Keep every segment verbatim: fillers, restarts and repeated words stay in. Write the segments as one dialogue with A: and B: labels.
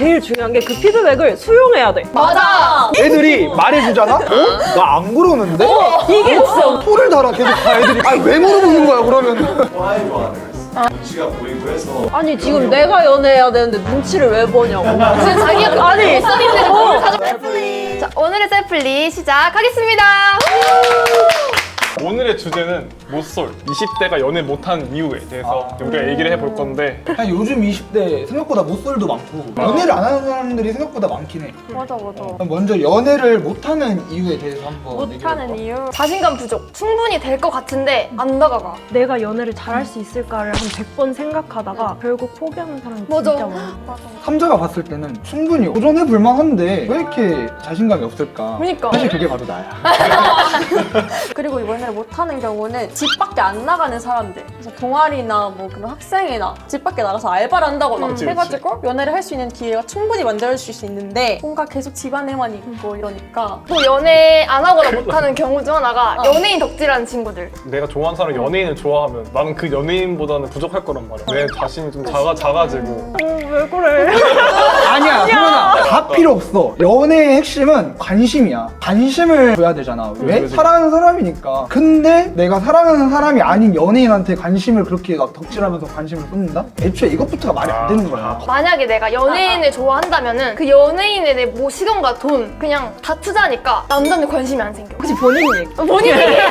A: 제일 중요한 게 그 피드백을 수용해야 돼.
B: 맞아.
C: 애들이 말해주잖아? 어? 나 안 그러는데?
A: 이게 진짜
C: 토를 달아 계속 다 애들이. 아니 왜 물어보는 거야 그러면?
D: 좋아해 좋아하는 거 눈치가 보이고 해서
A: 아니 지금 내가 연애해야 되는데 눈치를 왜 보냐고.
B: 지금 자기가
A: 아니
B: 셀프인데 뭘 가져?
E: 셀플리. 자, 오늘의 셀플리 시작하겠습니다.
F: 오늘의 주제는 모쏠, 이십 대가 연애 못하는 이유에 대해서 우리가 얘기를 해볼 건데
C: 아니 요즘 이십 대 생각보다 못쏠도 많고 연애를 안 하는 사람들이 생각보다 많긴 해.
E: 맞아, 맞아.
C: 그럼 먼저 연애를 못하는 이유에 대해서 한번
E: 못하는 이유. 자신감 부족. 충분히 될 것 같은데 안 다가가.
A: 내가 연애를 잘할 수 있을까를 한 백 번 생각하다가 결국 포기하는 사람이
E: 맞아.
A: 진짜 많아.
E: 맞아.
C: 삼자가 봤을 때는 충분히 도전해 볼 만한데 왜 이렇게 자신감이 없을까?
E: 그러니까.
C: 사실 그게 바로 나야.
G: 그리고 연애를 못하는 경우는 집 밖에 안 나가는 사람들, 그래서 동아리나 뭐 그런 학생이나 집 밖에 나가서 알바를 한다거나
F: 그치,
G: 해가지고 연애를 할 수 있는 기회가 충분히 만들어질 수 있는데 뭔가 계속 집안에만 있고 이러니까
E: 또 연애 안 하거나 못하는 경우 중 하나가 연예인 덕질하는 친구들.
F: 내가 좋아하는 사람이 연예인을 좋아하면 나는 그 연예인보다는 부족할 거란 말이야. 내 자신이 좀 작아, 작아지고
A: 왜 그래?
C: 아니야, 소연아. 다 필요 없어. 연애의 핵심은 관심이야. 관심을 줘야 되잖아. 왜?
F: 그치.
C: 사랑하는 사람이니까. 근데 내가 사랑하는 사람이 아닌 연예인한테 관심을 그렇게 막 덕질하면서 관심을 쏟는다? 애초에 이것부터가 말이 안 되는 거야.
E: 만약에 내가 연예인을 좋아한다면은 그 연예인에 내 뭐 시간과 돈 그냥 다 투자하니까 남자한테 관심이 안 생겨.
A: 혹시 본인 얘기?
E: 본인이.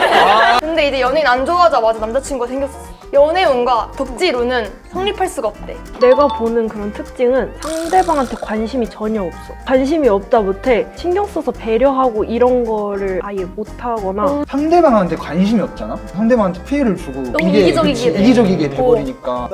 E: 근데 이제 연예인 안 좋아하자마자 남자친구가 생겼어. 연애운과 덕질운은 성립할 수가 없대.
A: 내가 보는 그런 특징은 상대방한테 관심이 전혀 없어. 관심이 없다 못해 신경 써서 배려하고 이런 거를 아예 못하거나
C: 상대방한테 관심이 없잖아? 상대방한테 피해를 주고
E: 너무 이기적이게
C: 그치,
E: 돼.
C: 이기적이게 돼버리니까.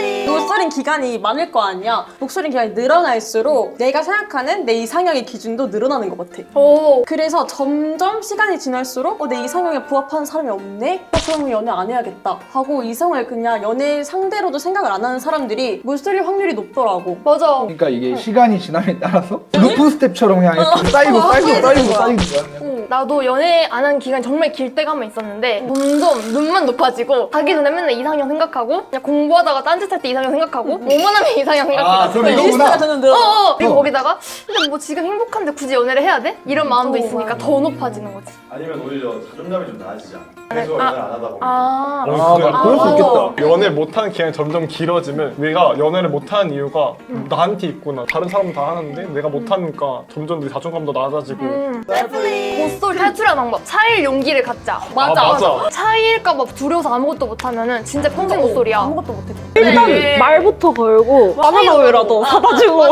G: 목소린 기간이 많을 거 아니야. 목소린 기간이 늘어날수록 내가 생각하는 내 이상형의 기준도 늘어나는 것 같아.
E: 오.
G: 그래서 점점 시간이 지날수록 어, 내 이상형에 부합하는 사람이 없네? 어, 그러면 연애 안 해야겠다 하고 이성을 그냥 연애 상대로도 생각을 안 하는 사람들이 물쏠릴 확률이 높더라고.
E: 맞아.
C: 그러니까 이게 시간이 지남에 따라서 루프 스텝처럼 그냥 이렇게 쌓이고 쌓이고 쌓이고 쌓이고 쌓이고
E: 응, 나도 연애 안 한 기간이 정말 길 때가 한 번 있었는데 점점 눈만 높아지고 자기 전에 맨날 이상형 생각하고 그냥 공부하다가 딴짓할 때 이상형 생각하고 뭐만 하면 이상형
C: 아,
E: 생각해가지고
C: 그럼 이거구나.
G: 리스트가 저는 늘어.
E: 어어 그리고
C: 어.
E: 거기다가 근데 뭐 지금 행복한데 굳이 연애를 해야 돼? 이런 마음도 있으니까 더 높아지는 거지.
D: 아니면 오히려 자존감이 좀 나아지지 않아? 계속 연애를 안 하다 보면
E: 아
F: 어,
C: 아,
F: 그래.
C: 맞아. 그럴 수 있겠다.
F: 연애 못하는 기간이 점점 길어지면 내가 연애를 못하는 이유가 나한테 있구나. 다른 사람은 다 하는데 내가 못하니까 점점 내 자존감도 낮아지고
E: 음. 모쏠 탈출하는 방법 차일 용기를 갖자.
F: 맞아. 아, 맞아.
E: 차일까봐 두려워서 아무것도 못하면은 진짜 평생 모쏠이야.
G: 아무것도 못해.
A: 일단
E: 네.
A: 말부터 걸고 바나나 우유라도 사다 주고.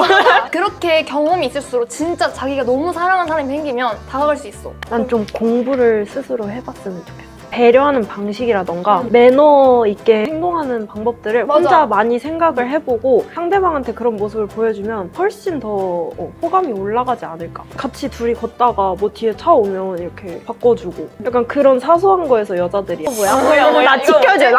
E: 그렇게 경험이 있을수록 진짜 자기가 너무 사랑하는 사람이 생기면 다가갈 수 있어.
A: 난 좀 공부를 스스로 해봤으면 좋겠어. 배려하는 방식이라던가 매너 있게 행동하는 방법들을
E: 맞아.
A: 혼자 많이 생각을 해보고 상대방한테 그런 모습을 보여주면 훨씬 더 어, 호감이 올라가지 않을까. 같이 둘이 걷다가 뭐 뒤에 차 오면 이렇게 바꿔주고 약간 그런 사소한 거에서 여자들이 어, 뭐야?
E: 뭐야, 뭐야,
A: 나
E: 이거
A: 지켜주나?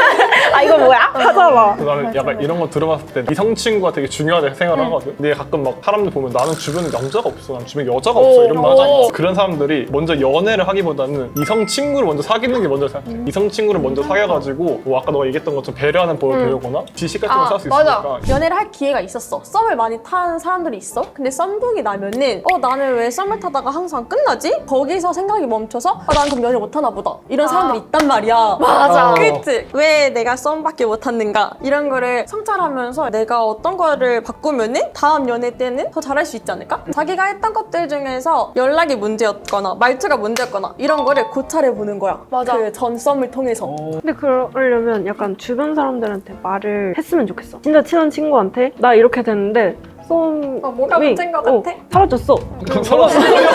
A: 아 이거 뭐야? 하잖아.
F: 나는 약간 이런 거 들어봤을 때 이성 친구가 되게 중요하다고 생각을 하거든. 근데 가끔 막 사람들 보면 나는 주변에 남자가 없어, 난 주변에 여자가 없어 이런 말 하잖아. 그런 사람들이 먼저 연애를 하기보다는 이성 친구를 먼저 사귀는 게 먼저 생각해. 이성 친구를 먼저 사귀어가지고 뭐 아까 너가 얘기했던 것처럼 배려하는 법을 배우거나 지식 같은 걸
E: 아,
F: 쌓을 수
E: 맞아.
F: 있으니까.
G: 연애를 할 기회가 있었어. 썸을 많이 타는 사람들이 있어. 근데 썸북이 나면은 어 나는 왜 썸을 타다가 항상 끝나지? 거기서 생각이 멈춰서 아 난 그럼 연애 못하나 보다. 이런 사람들이 있단 말이야.
E: 맞아.
F: 어.
G: 그치? 왜 내가 썸밖에 못탔는가? 이런 거를 성찰하면서 내가 어떤 거를 바꾸면은 다음 연애 때는 더 잘할 수 있지 않을까? 자기가 했던 것들 중에서 연락이 문제였거나 말투가 문제였거나 이런 거를 고찰해 보는 거야.
E: 맞아.
G: 그 전 썸을 통해서.
A: 근데 그러려면 약간 주변 사람들한테 말을 했으면 좋겠어. 진짜 친한 친구한테 나 이렇게 됐는데 썸
G: 어, 뭐가 문제인 것
A: 어,
G: 같아?
A: 사라졌어.
F: 서로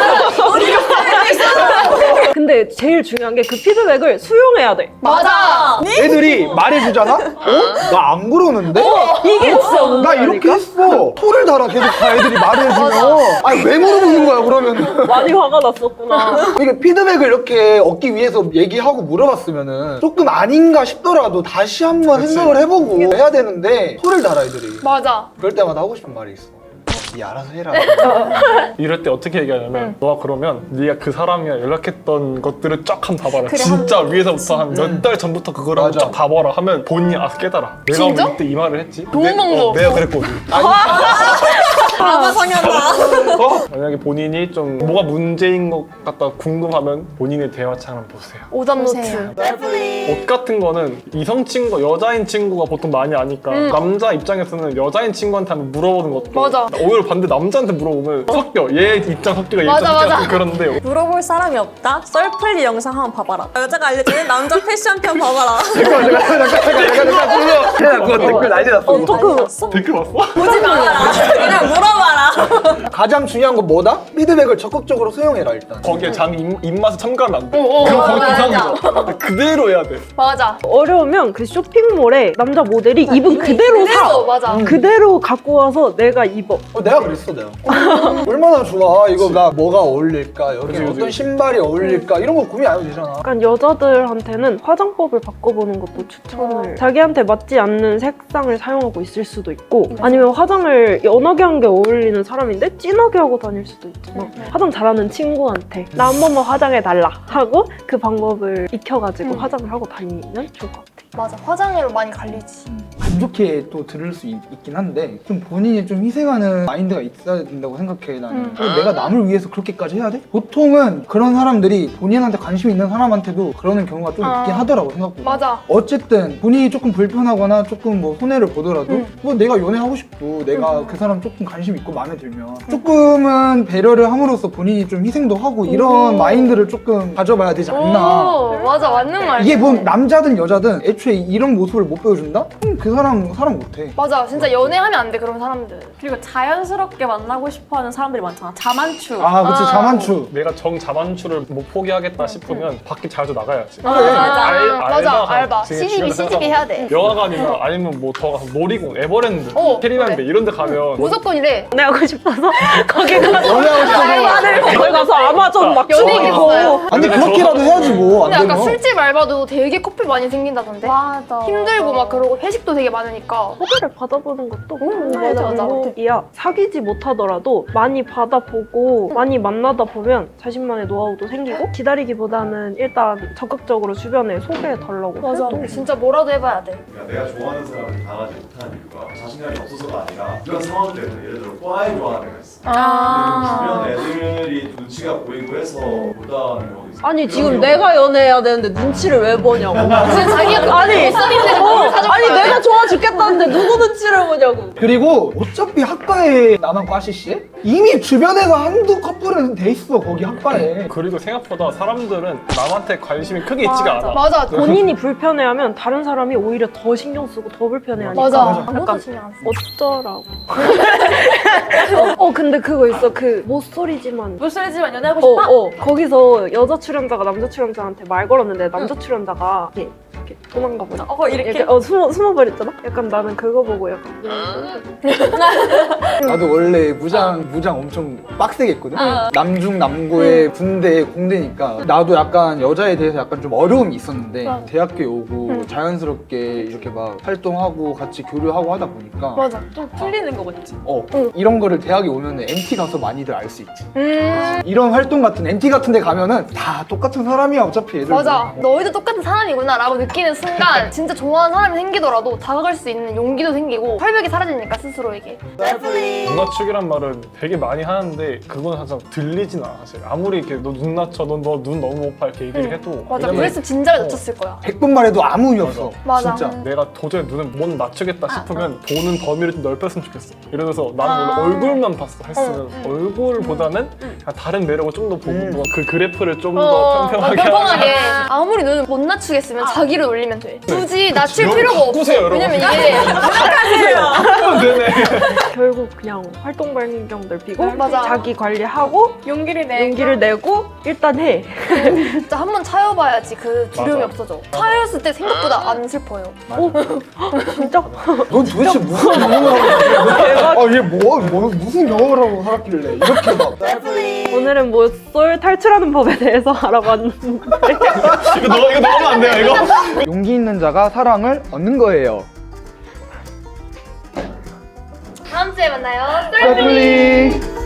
A: 근데 제일 중요한 게 그 피드백을 수용해야 돼.
E: 맞아.
C: 애들이 말해주잖아? 어? 나 안 그러는데?
A: 이게 진짜
C: 나
A: 문제라니까?
C: 이렇게 했어. 토를 달아 계속 다 애들이 말해주면. 아니 왜 물어보는 거야 그러면?
A: 많이 화가 났었구나.
C: 이게 피드백을 이렇게 얻기 위해서 얘기하고 물어봤으면은 조금 아닌가 싶더라도 다시 한번
F: 그치.
C: 생각을 해보고 해야 되는데 토를 달아 애들이.
E: 맞아.
C: 그럴 때마다 하고 싶은 말이 있어. 니 알아서 해라.
F: 이럴 때 어떻게 얘기하냐면 너가 그러면 네가 그 사람이랑 연락했던 것들을 쫙 한번 봐봐라.
G: 그래,
F: 진짜 위에서부터 한 몇 달 전부터 그거를 한번
C: 맞아.
F: 쫙 봐봐라 하면 본인이 아 깨달아. 내가
E: 진짜?
F: 왜 이때 이 말을 했지?
E: 좋은
F: 내-
E: 방법.
F: 어, 내가 그랬거든.
C: 아니,
E: 아,
G: 아, 상현아.
F: 어? 만약에 본인이 좀 뭐가 문제인 것 같다 궁금하면 본인의 대화창 한번 보세요.
E: 오답 노트.
F: 옷 같은 거는 이성 친구, 여자인 친구가 보통 많이 아니까
E: 음.
F: 남자 입장에서는 여자인 친구한테 한번 물어보는 것도
E: 맞아.
F: 오히려 반대 남자한테 물어보면 섞여. 얘 입장 섞이가 얘
E: 맞아,
F: 입장 섞이가
E: 맞아.
F: 그런데
G: 물어볼 사람이 없다? 썰풀리 영상 한번 봐봐라. 여자가 알려주는 남자 패션편 봐봐라.
C: 잠깐 잠깐 잠깐 잠깐 잠깐 잠깐 그거 댓글 난리 났어.
G: 봤어?
F: 댓글 봤어?
G: 보지 말아라. 그냥 물어봐라.
C: 가장 중요한 건 뭐다? 피드백을 적극적으로 수용해라 일단.
F: 거기에 자기 입, 입맛에 첨가하면 안 돼.
E: 어, 어,
F: 그럼
E: 어,
F: 거기
E: 맞아.
F: 이상이죠. 그대로 해야 돼.
E: 맞아.
A: 어려우면 그 쇼핑몰에 남자 모델이 입은 그대로 사.
E: 그대로, 맞아.
A: 그대로 갖고 와서 내가 입어.
C: 어, 내가 그랬어 내가. 얼마나 좋아. 이거 나 뭐가 어울릴까? 여기
F: 그치, 그치.
C: 어떤 신발이 어울릴까? 이런 거 고민 안 해도 되잖아.
A: 약간 여자들한테는 화장법을 바꿔보는 것도 추천을. 자기한테 맞지 않는 색상을 사용하고 있을 수도 있고, 아니면 화장을 연하게 한 게 어울리는 사람인데 진하게 하고 다닐 수도 있잖아. 화장 잘하는 친구한테 나 한 번만 화장해 달라 하고 그 방법을 익혀가지고
E: 음.
A: 화장을 하고 다니면 좋을 것 같아.
E: 맞아. 화장으로 많이 갈리지.
C: 안 좋게 또 들을 수 있, 긴 한데 좀 본인이 좀 희생하는 마인드가 있어야 된다고 생각해 나는.
E: 음.
C: 그리고 내가 남을 위해서 그렇게까지 해야 돼? 보통은 그런 사람들이 본인한테 관심 있는 사람한테도 그러는 경우가 좀
E: 아.
C: 있긴 하더라고 생각보다.
E: 맞아.
C: 어쨌든 본인이 조금 불편하거나 조금 뭐 손해를 보더라도
E: 음.
C: 뭐 내가 연애하고 싶고 내가 그 사람 조금 관심 있고 마음에 들면 조금은 배려를 함으로써 본인이 좀 희생도 하고 이런 마인드를 조금 가져봐야 되지 않나.
E: 오, 맞아. 맞는 말.
C: 이게 뭐 남자든 여자든 애초에 이런 모습을 못 보여준다? 그럼 그 사람 사람 못해.
E: 맞아. 진짜 연애하면 안 돼. 그런 사람들.
G: 그리고 자연스럽게 만나고 싶어하는 사람들이 많잖아. 자만추.
C: 아 그치
E: 아.
C: 자만추.
F: 내가 정 자만추를 못 포기하겠다 싶으면 밖에 자주 나가야지.
E: 맞아. 맞아.
F: 알-
E: 맞아.
F: 알바가
E: 알바.
F: 지금
E: 시집이
F: 주변에
E: 시집이 해야 돼.
F: 영화관이나 아니면 뭐 더 가서 놀이공, 에버랜드,
E: 어,
F: 캐리밴드
E: 그래.
F: 이런 데 가면
E: 무조건 이래.
A: 연애 하고 싶어서 거기 가서
C: 연애하고 싶어서.
A: 알바를 거기 가서 아마존 막
E: 연예인
A: 주고.
E: 있어요.
C: 아니 그렇게라도 해야지 뭐. 안
E: 근데 아까
C: 되면.
E: 술집 알바도 되게 커플 많이 생긴다던데.
G: 맞아.
E: 힘들고 막 그러고 회식도 되게 많으니까.
A: 소개를 받아보는 것도
E: 음, 맞아, 맞아.
A: 방법이야. 사귀지 못하더라도 많이 받아보고 많이 만나다 보면 자신만의 노하우도 생기고, 기다리기보다는 일단 적극적으로 주변에 소개해달라고
E: 맞아.
A: 해도
E: 진짜 뭐라도 해봐야 돼.
D: 그러니까 내가 좋아하는 사람을 당하지 못하는 이유가 자신감이 없어서가 아니라 이런 상황 때문에 예를 들어 과에 좋아하는 애가 있어.
E: 아.
D: 근데 주변 애들이 눈치가 보이고 해서 못하는 경우도 있어.
B: 아니 지금 내가 연애해야 되는데 눈치를 왜 보냐고.
E: 지금 자기가
B: 아니,
E: 못 사귀는데
B: 어,
E: 뭘 사줄
B: 아니
E: 거야.
B: 내가 좋아 죽겠다는데 누구 눈치를 보냐고.
C: 그리고 어차피 학과에 나만 과시시에 이미 주변에서 한두 커플은 돼 있어 거기 학과에.
F: 그리고 생각보다 사람들은 남한테 관심이 크게 있지가 않아.
E: 맞아.
A: 본인이 불편해하면 다른 사람이 오히려 더 신경 쓰고 더 불편해하니까.
E: 맞아.
C: 맞아.
E: 아무도
A: 약간
E: 신경 안 써.
A: 어쩌라고. 어 근데 그거 있어. 그 모쏠이지만
G: 무술이지만 연애하고
A: 어,
G: 싶다?
A: 어. 거기서 여자 출연자가 남자 출연자한테 말 걸었는데 남자 출연자가 이렇게, 이렇게 도망가 버려.
G: 어, 이렇게?
A: 이렇게 어 숨어 숨어 버렸잖아. 약간 나는 그거 보고 약간
C: 나도 원래 무장 무장 엄청 빡세게 했거든.
G: 어.
C: 남중 남고의 군대 공대니까 나도 약간 여자에 대해서 약간 좀 어려움이 있었는데
E: 맞아.
C: 대학교에 오고 자연스럽게 이렇게 막 활동하고 같이 교류하고 하다 보니까
E: 맞아.
G: 좀 풀리는 거 같지?
C: 어 이런 거를 대학에 오면 엔티 가서 많이들 알 수 있지.
E: 음.
C: 이런 활동 같은 엔티 같은 데 가면은 다 똑같은 사람이야 어차피 애들.
E: 맞아. 너희도 똑같은 사람이구나 라고 느끼는 순간 진짜 좋아하는 사람이 생기더라도 다가갈 수 있는 용기도 생기고 활벽이 사라지니까 스스로에게.
F: 눈맞추기란 말은 되게 많이 하는데 그건 항상 들리진 않아 사실. 아무리 이렇게 너 눈 낮춰, 너 눈 너무 높아 이렇게 얘기를
E: 응.
F: 해도
E: 맞아.
F: 왜냐면
E: 그랬으면 진작에 놓쳤을 거야.
C: 백 번 말해도 아무 의미 없어.
E: 맞아.
C: 진짜.
F: 내가 도저히 눈을 못 낮추겠다 싶으면 보는 범위를 좀 넓혔으면 좋겠어. 예를 들어서 나는
E: 아.
F: 원래 얼굴만 봤어 했으면
E: 응,
F: 얼굴보다는 그냥 다른 매력을 좀 더 보고
C: 음.
F: 뭐그 그래프를 좀 더
E: 어,
F: 평평하게
E: 어, 평평하게.
F: 하면
E: 아무리 눈을 못 낮추겠으면 자기를 올리면 돼. 굳이 낮출
F: 여러분
E: 필요가 없어.
F: 바꾸세요, 여러분.
E: 왜냐면 이게
F: 하면 되네.
A: 결국 그냥 활동 반경 넓히고
E: 맞아.
A: 자기 관리하고
G: 용기를 내.
A: 용기를 내고 일단 해.
E: 진짜 한 번 차여봐야지 그 두려움이
F: 맞아.
E: 없어져. 차였을 때 생각보다 안 슬퍼요.
A: 진짜
C: 넌 도대체 무슨 경험을 하고 살았길래? 아얘 뭐, 뭐 무슨 경험을 하고 살았길래 이렇게 막.
A: 오늘은 모쏠 탈출하는 법에 대해서 알아봤는데
F: 이거 너 이거 넣으면 안 돼요 이거.
C: 용기 있는 자가 사랑을 얻는 거예요.
E: 다음 주에 만나요.
C: 썰풀리.